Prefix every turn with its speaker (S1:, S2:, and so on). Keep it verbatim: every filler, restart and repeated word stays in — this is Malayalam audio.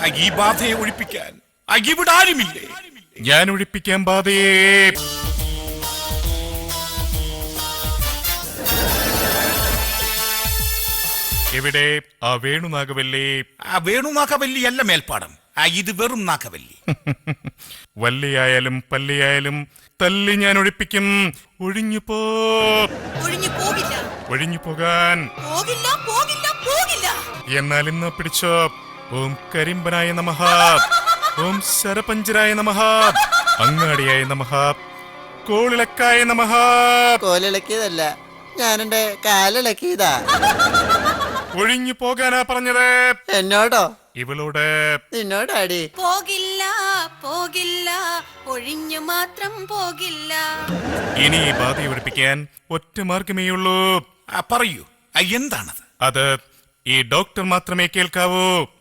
S1: ഈ ബാധയെ ഒഴിപ്പിക്കാൻ ഇവിടെ ആരുമില്ലേ?
S2: ഞാൻ ഒഴിപ്പിക്കാൻ ബാധയെ. എവിടെ ആ വേണുനാഗവല്ലി?
S1: ആ വേണുനാഗവല്ലി അല്ല മേൽപ്പാടം, ഇത് വെറും നാഗവല്ലി.
S2: വല്ലിയായാലും പല്ലിയായാലും തല്ലി ഞാൻ ഒഴിപ്പിക്കും. ഒഴിഞ്ഞു പോ.
S3: ഒഴിഞ്ഞു പോകില്ല.
S2: ഒഴിഞ്ഞു പോകാൻ
S3: പോകില്ല, പോകില്ല, പോകില്ല.
S2: എന്നാൽ ഇന്ന് പിടിച്ചോ. ഓം കരിമ്പനായ നമഃ, ഓം ശരപഞ്ചരായ നമഃ, അങ്ങാടിയായ നമഃ, കോളിളക്കായ നമഃ.
S4: കോലിളക്കിയതല്ല, ഞാനെന്റെ കാലിളക്കിയതാ.
S2: ഒഴിഞ്ഞു പോകാനാ പറഞ്ഞത്.
S4: എന്നോടോ?
S2: ഇവളോട്.
S4: നിന്നോടാടി.
S3: പോകില്ല, പോകില്ല, ഒഴിഞ്ഞു മാത്രം പോകില്ല.
S2: ഇനി ഈ ബാധയെ ഒഴിപ്പിക്കാൻ ഒറ്റ മാർഗമേയുള്ളൂ.
S1: പറയൂ, എന്താണത്?
S2: അത് ഈ ഡോക്ടർ മാത്രമേ കേൾക്കാവൂ.